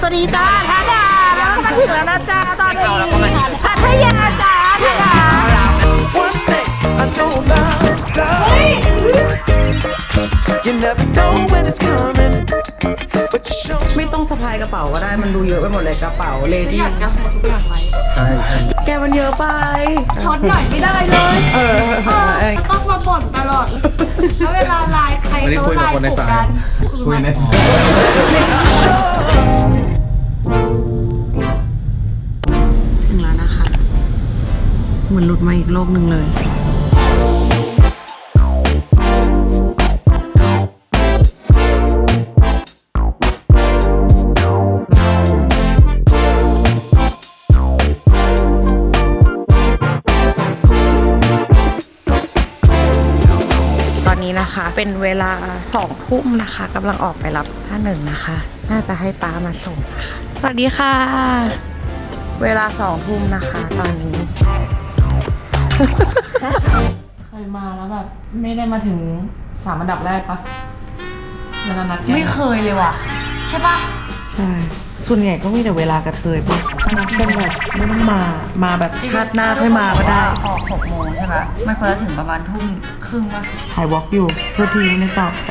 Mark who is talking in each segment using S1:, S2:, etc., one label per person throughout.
S1: วัสดีจ้าท่าดาแล้วมาถึงแล้วนะจ้าตอนนี้พัทยาจ้าท่าดา
S2: One thing I know about love, you never know when it's coming, but you show
S1: ไม่ต้องสะพายกระเป๋าก็ได้มันดูเยอะไปหมดเลยกระเป๋าเลดี้อยากจะโฮทุกอย่างไว้
S3: ใช่
S1: แกมันเยอะไป
S4: ช็อตหน่อยไม่ได้เลยต้องมาบ่นตลอดแล้วเวลาไลน์ใคร
S3: วันนี้
S4: เขา
S3: คุย
S4: ไล
S3: กับ
S4: น์
S3: คนใน
S4: ถูก
S3: สาย
S4: กัน
S3: คุยใน
S1: ถึงแล้วนะคะเหมือนหลุดมาอีกโลกหนึ่งเลยตอนนี้นะคะเป็นเวลา2 ทุ่มนะคะกำลังออกไปรับท่าหนึ่งนะคะ น่าจะให้ป้ามาส่งนะคะสวัสดีค่ะ เวลา2 ทุ่มนะคะตอนนี้
S5: เคยมาแล้วแบบไม่ได้มาถึง3 อันดับแรกปะเวลานัดแก
S4: ไม่เคยเลยว่ะใช่ปะ
S1: ใช่ ส่วนใหญ่ก็มีแต่เวลากระเทยปะนัดกันแบบไม่ต้องมาแบบชาติหน้าค่อยมาก็ได้
S4: ออก6 โมงใช่ปะไม่ควรจะถึงประมาณ 1:30 ปะ
S1: ถ่ายวอล์กอยู่เพื่อทีไม่ตอบจ้ะ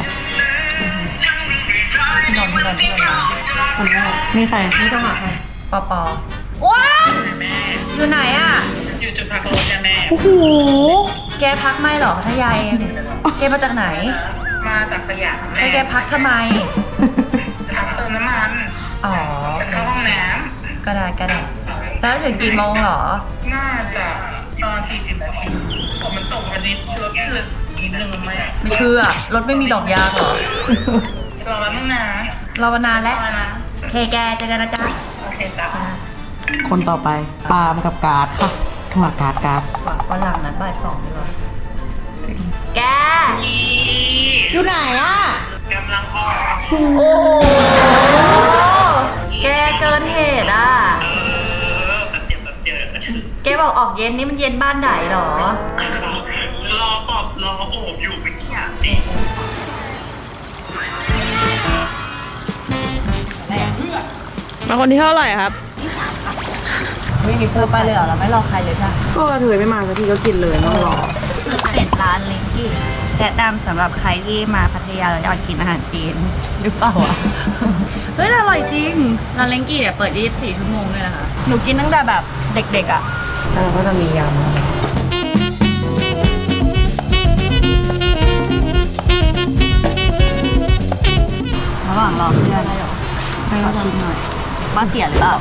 S4: ที่นอนคนแรก
S1: นี่ใคร
S5: นี่ต้องหาใคร
S4: ปอว้าอยู่ไหนอ่ะ
S6: อยู่จุดพักรถเนี่ยแม่
S4: โอ้โหแกพักไม่หรอพัทยาเองแกมาจากไหน
S6: มาจากสยาม
S4: ไอ้
S6: แม่
S4: แกพักทำไม
S6: พักเติมน้ำมัน
S4: อ๋อ
S6: เข้าห้องน้
S4: ก็ได้แล้วถึงกี่โมงหรอ
S6: ำน่าจะประมาณ40 นาทีผมมันตกวันนี้รถลึกนิดนึงแม่
S4: ไม่เชื่อรถไม่มีดอกยางหรอ
S6: รอแป๊บนึงนะ
S4: รอมานานแล้ว
S6: รอนะ
S4: เคแกเจอกันนะจ๊ะ
S6: โอเคจ้ะ
S1: คนต่อไปปาล์มกับการ์ดค่ะโทรหาการ์ด
S4: วันหลังนัดบ่าย 2ดีกว่าแก อยู่ไหนอ่ะ
S6: กำลังออก
S4: โอ้โห แกเกินเหตุอ่ะ
S6: แบบเดี๋ยวก็ถึง
S4: แกบอกออกเย็นนี่มันเย็นบ้านไหนหรอ
S6: รอโอบอยู่ไม่อยากดิ
S5: มาคนที่เท่าไหร่ครับ
S4: ไม่มีเพิ่มไปเลยเหรอเราไม่รอใครเลยใช่
S1: ก็กระเทยไม่มาสักทีก็กินเลยไม่ต้องรอ
S4: เป็นร้านเล้งที่แนะนำสำหรับใครที่มาพัทยาแล้วอยากกินอาหารจีนหรือเปล่าอ่ะ เฮ้ยอร่อยจริง
S5: ร้านเล้งกี้เนี่ยเปิด 24 ชั่วโมงเลยนะคะ
S4: หนูกินตั้งแต่แบบเด็กๆอ่ะ
S1: แล้วก็จะมียำ
S4: ระหว่างรอเพื่อนขอชิมหน่อยบ้าเสียหรือเปล่า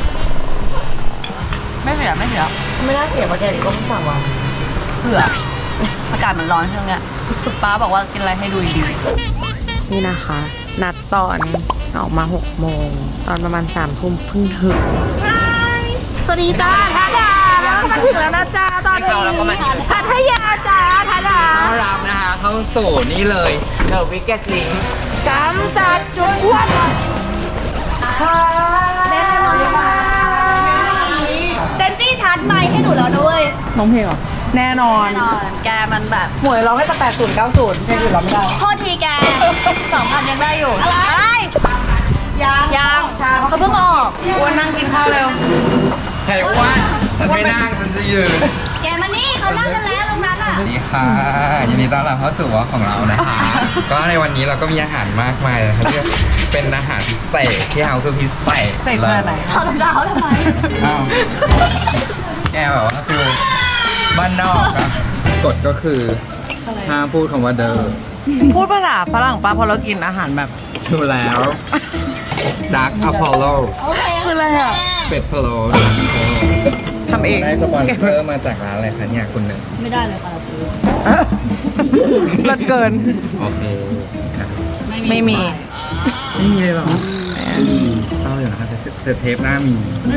S5: ไม่เสีย
S4: ไม่น่าเสียเพราะแกดิก็เพิ่งสั่งมาเผื่ออากาศมันร้อนช่วงเนี้ยป้าบอกว่ากินอะไรให้ดูดี
S1: นี่นะคะ นัดตอนออกมา6 โมงตอนประมาณ3 ทุ่มเพิ่งถึงสวัสดีจ้าท่าดาแล้วมาถึงแล้วนะจ้าตอนนี้พัทยาจ้าท่าดา
S3: ต้อนรับนะคะเข้าสู่นี่เลยเดอะวิกเก็ตลิง
S1: กำจัดจุดอ้วนค่ะ
S4: แน่นอนเลยเจนจี้ชาร์จไมค์ให้หนูแล้วด้วย
S1: น้องเพลงเหรอแน่นอน
S4: แน่นอนแกมันแบบ
S1: หมวยร้องให้ตั้งแต่80 90เพลงอื่นร้องไม่ได้
S4: โทษทีแก2,000ยังได้อยู่อะไรยังเขาเพิ่งออก
S1: อ้วนนั่งกินข้าวเร็ว
S3: ใครว่าฉันไม่นั่งฉันจะยืน
S4: แกมานี่เขานั่งกันแล้วตรงนั้นอ่ะ
S3: สวัสดีค่ะยินดีต้อนรับเข้าสู่วอล์กของเรานะคะ ก็ในวันนี้เราก็มีอาหารมากมายเลยค่ะที่เป็นอาหารพิเศษที่เราคือพิเศษ
S1: เสร็จขนาดไหน
S4: ถอดรองเท้าทำไม
S3: อ้าวแกแบบว่าคือบ้านนอกอะกฎก็คือห้ามพูดคำว่าเดอ
S1: พูดภาษาฝรั่งป่ะเพราะเรากินอาหารแบบ
S3: ดูแล้วดักอพอลโล
S1: คืออะไรอ่ะ
S3: เป็ดพะโล้
S1: ทำเอง
S3: ได้สปอนเซอร์มาจากร้านอะไรคะเนี่ยคุณหนึ่ง
S4: ไม่ได้เลยค่ะเราซื้อ
S1: เลิศเกิน
S3: โอเคครับ
S1: ไม่มี
S3: ไม่มีเลยเหรอเศร้าอยู่นะครับแต่เทปหน้ามี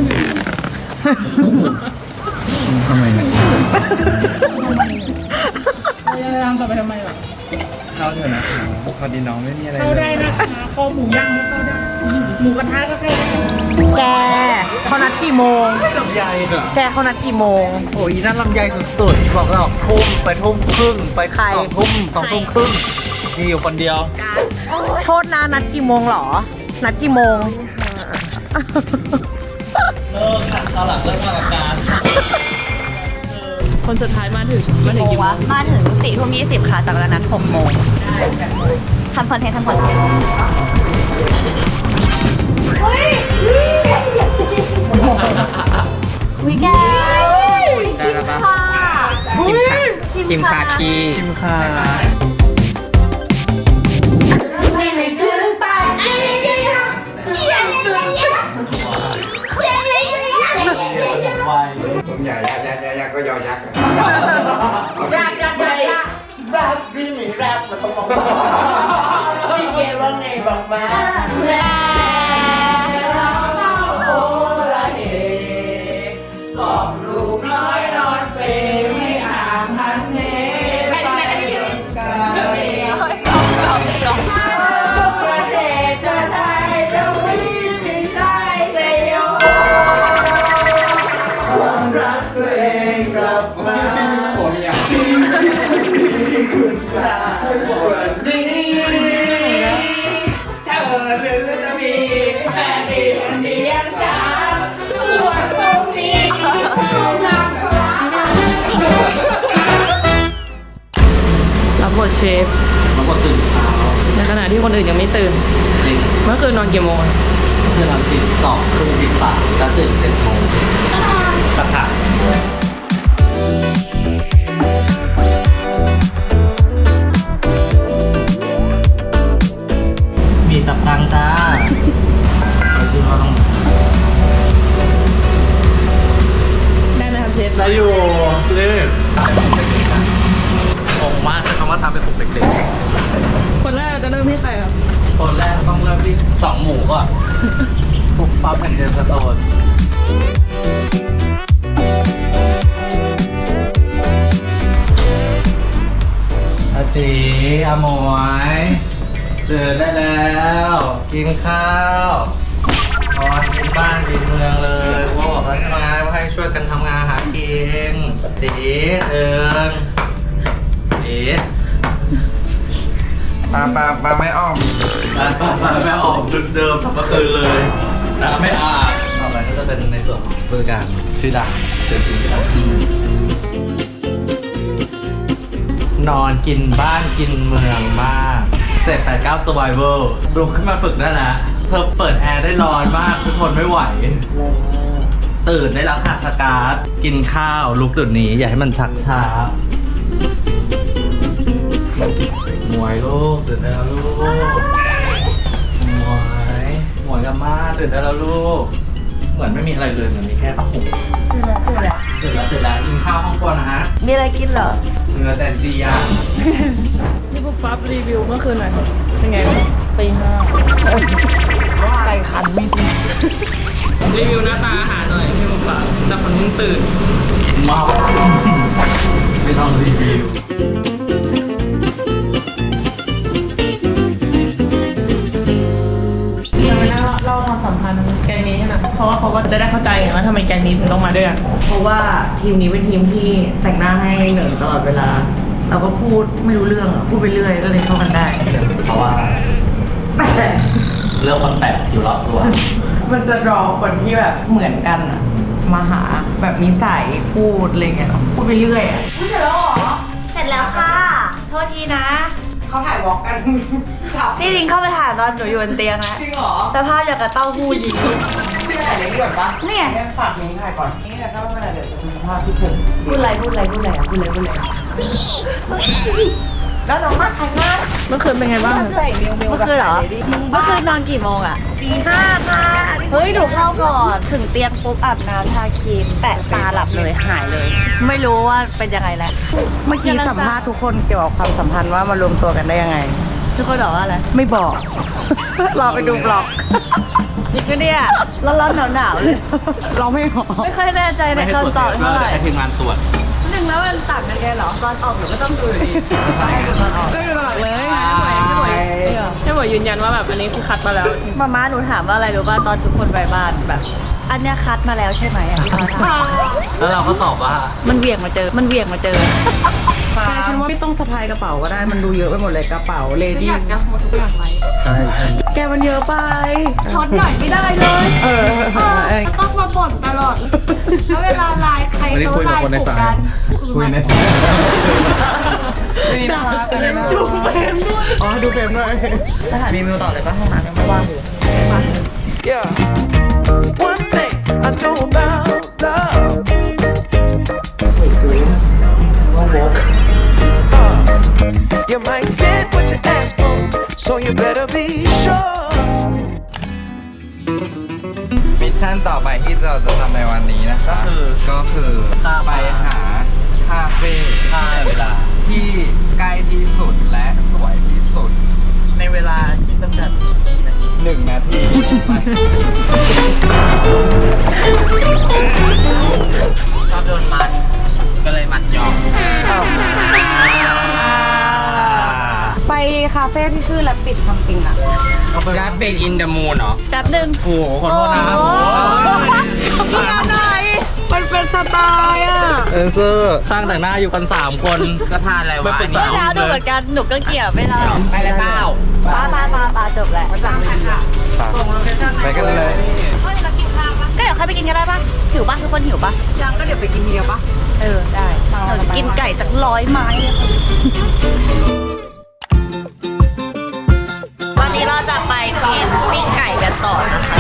S3: ทำไมเนี่ย
S5: ย่างต่อไปทำไมล่ะ
S3: เข้าเถอะนะคะพอดีน้องไม่มีอะไร
S5: เข้าได้นะคะคอหมูย่างก็เข้าได้ หมูกระทะก็เข้าได้
S1: แกเขานัดกี่โมง
S3: ลำไย
S1: แกเขานัดกี่โมง
S7: โอ้ยนั่นลำไยสุดๆ บอกเราทุ่มไปทุ่มครึ่งไป
S1: ใคร
S7: 2 ทุ่มครึ่งมีอยู่คนเดียว
S1: โทษนะนัดกี่โมงเหรอ นัดกี่โมง
S7: เลิกค่ะตอนหลังเลิกมากับการ
S5: คนสุดท้ายมาถึง
S4: กี่โมงวะมาถึง4 ทุ่ม 20ค่ะจากนั้น6 โมงทำคอนเทนต์วิแก
S3: ได้แล้วปะคิมคาคี
S7: คิมค่ะ
S3: ผมใหญ่ยักษ์ก็ยอยักษ์
S6: รับรีมีรับมาต้องบอกพี่เกว่าไงบอกมาแล้วเราโอ้ละเฮกอบลูกน้อยนอนเปรไม่ห่างหันเหไปกันประเทศจะได้เราไม่มีชายเซโยความรักตัวเองกลับมาชีวิตคุณค่าวันนี้ถ้าเธอหรือจะมีแฟนดีคนเดียวฉันส่วนตรงนี้นักฟ้า
S5: รับบทเชฟ
S7: มาก็ตื่นเช้า
S5: ในขณะที่คนอื่นยังไม่ตื่น
S7: จริง
S5: เมื่อคืนนอนกี่โมง
S7: คือเราตี 2 ครึ่งตี 3แล้วตื่น7 โมงตัดขามีตับตังจ้าเอาที่ห้อง
S5: ได้ไหมครับเชฟ
S7: ได้อยู่รีบงงมากใช้คำว่าทำเป็นปลุกเด็ก
S5: คนแรกเราจะเริ่มที่ใครครับ
S7: ๆคนแรกต้องเริ่มที่2 หมูก่อนปุ๊บปั๊บแอนเดนสโตนอาจีอาหมวยตื่นได้แล้ว กินข้าวนอนกินบ้านกินเมืองเลยว่าบอกแล้วใช่ไหมว่าให้ช่วยกันทำงานหากินตีเอิงตี
S3: ปลาไม่อ้อม
S7: ไม่ออกจุดเดิมสับเมื่อคืนเลยน้ำไม่อาบต่อไปก็จะเป็นในส่วนของบริการชื่อดังเชิญกินที่ดังนอนกินบ้านกินเมืองมาก789 Survival ลุกขึ้นมาฝึกได้แล้วเธอเปิดแอร์ได้ร้อนมากทุกคนไม่ไหว ตื่นได้แล้วค่ะสการ์ดกินข้าวลุกเดี๋ยวนี้อย่าให้มันชักช้าหมวยลูกตื่นได้แล้วลูกหมวยกับม่าตื่นได้แล้วลูกเหมือนไม่มีอะไรเลยเหมือนมีแค่ผ้าห่มตื่นแล้วกินข้าวห้องครัวนะฮะ
S4: มีอะไรกินเหรอ
S7: เนื้อแตนจีย่าง
S5: นี่ปุ๊บปั๊บรีวิวเมื่อคืนหน่อยครับเป็นไงบ้าง
S7: ตีห้า
S6: ไก่คันไม่ดี
S5: รีวิวหน้าตาอาหารหน่อยพี่ปุ๊บปั๊บจากคนเพิ่งตื่น
S7: เมาไม่ต้องรีวิว
S5: จะไม่ได้เล่าความสัมพันธ์แกงนี้ใช่ไหมเพราะว่าเขาก็จะได้เข้าใจไงว่าทำไมแกงนี้ถึงต้องมาด้วยกัน
S1: เพราะว่าทีมนี้เป็นทีมที่แต่งหน้าให้เหนึ่งตลอดเวลา เราก็พูดไม่รู้เรื่องอะพูดไปเรื่อยก็เลยเข้ากันได้
S7: เพราะว่า
S1: แต่
S7: เรื่องคนแปลกอยู่รอบตัว
S1: มันจะรอคนที่แบบเหมือนกันอะมาหาแบบนิสัยพูดอะไรเงี้ยพูดไปเรื่อยอะ
S4: เสร็จแล้วค่ะ โทษทีนะ
S1: เขาถ่ายวอล์กกันเช้า
S4: นี่ลิงเข้าไปถ่ายตอนหนูอยู่บนเตียงแล้ว
S1: จริงเหรอ
S4: สภาพอย่างกับเต้าหู้ยี้
S1: พี่ถ่ายเลยดีกว่าปะ
S4: เนี่ย
S1: ฝากนี้ถ่ายก่อนนี่แต่ถ้าไม่เป็นไรเดี๋ยวจะมีภาพที่ผม
S4: พูดอะไร
S1: แล้วน้องมาถ่ายหน้า
S5: เมื่อคืนเป็นไงบ้าง
S1: ใส่เมล
S4: เมื่อคืนเหรอ เมื่อคืนนอนกี่โมงอะตี 5ค่ะ เฮ้ย หนูเข้าก่อน ถึงเตียงปุ๊บอาบน้ำทาครีม แปะตาหลับเลยหายเลย ไม่รู้ว่าเป็นยังไงแล้ว
S1: เมื่อกี้สัมภาษณ์ทุกคนเกี่ยวกับความสัมพันธ์ว่ามารวมตัวกันได้ยังไง
S4: ทุกคนบอกว่าอะไร
S1: ไม่บอก รอไปดูบล็อก
S4: นี่ก็เนี่ยร้อนๆหนาวๆเลย
S1: เราไม่บอก
S4: ไม่ค่อยแน่ใจในคำตอบเท่าไหร่
S7: ให้ทีมงานตรวจ
S4: หนึ่งแล้วมันต่างกันไงเหรอ ตอนออกหนูก็ต้องดูอยู่ดีให้ดูตอนออก
S5: ก็อยู่ตลอดเลยให้หมวยยืนยันว่าแบบอันนี้คือคัดมาแล้ว
S4: มาม่าหนูถามว่าอะไรรู้ป่ะตอนทุกคนไปบ้านแบบ อันเนี้ยคัดมาแล้วใช่ไหมอ่ะพี่มาถาม
S7: แล้วเราก็ตอบว่า
S4: มันเหวี่ยงมาเจอ
S1: แกฉันว่าไม่ต้องสะพายกระเป๋าก็ได้ มันดูเยอะไปหมดเลยกระเป๋าเลดี้
S7: ใช่
S1: แกมันเยอะไป
S4: ช็อตหน่อยไม่ได้เลย
S1: เออ
S4: แล้วเวลาไลน์ใคร
S7: วันนี้คุยกับคนในสาย
S3: คุยใน
S5: ดูเฟรมด้วย
S1: อ๋อ ดูเฟรมด้วย
S5: จะถ่ายเมนูต่อเลยป่ะห้องน้ำยังไม่ว่างอยู่
S2: Yeah. One thing I know about love. You might get what you ask for, so you better be sure.
S3: มิชชั่นต่อไปที่เราจะทำในวันนี้นะคะ ก็คือไปหาคาเฟ่
S7: ค่าเวลา
S3: ที่ใกล้ที่สุดและสวยที่สุด
S7: ในเวลาที่จำกัด
S3: 1 นาทีไป
S7: ชอบโดนมัด ก็เลยมัดยอม
S4: ไปคาเฟ่ที่ชื่อแลปิดทำปิงอะ
S3: และเป็นอินเดอะมูนเหรอ
S4: แป๊บนึง
S7: โอ้โหขอโทษนะ
S4: นี่อะไรมันเป็นสไตล์อ่ะ
S7: เออเซอร์ช่างแต่งหน้าอยู่กัน 3 คน
S3: สะพานอะไรวะ
S7: ไม่ปรึกษา
S4: เมื่อเช้าดูเหมือนกัน หนูก็เกี่ยวไม่ได้
S3: ไปเลยเปล่า
S4: ตาจบแหละ
S3: ไปกันเลย
S4: ก็เดี๋ยวใครไปกินกันได้ปะหิวปะทุกคนหิวปะยังก็เดี๋ยวไปกินทีเดียวปะได้เราจะกินไก่สัก100 ไม้เลยค่ะวันนี้เราจะไปกินปิ้งไก่กันต่อนะคะ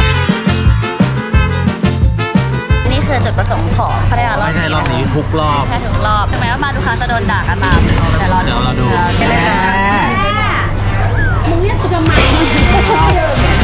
S4: นี่คือจุดประสงค์ของพัทยารอบ
S7: ไม่ใช่รอบนี้ทุกรอบ
S4: แค่ถึงรอบถึงแม้ว่ามาทุกครั้งจะโดนด่ากันตามแต่เรา
S7: เดี๋ยวเราดู
S4: กันเลยนะมึงเรียกกูทำไม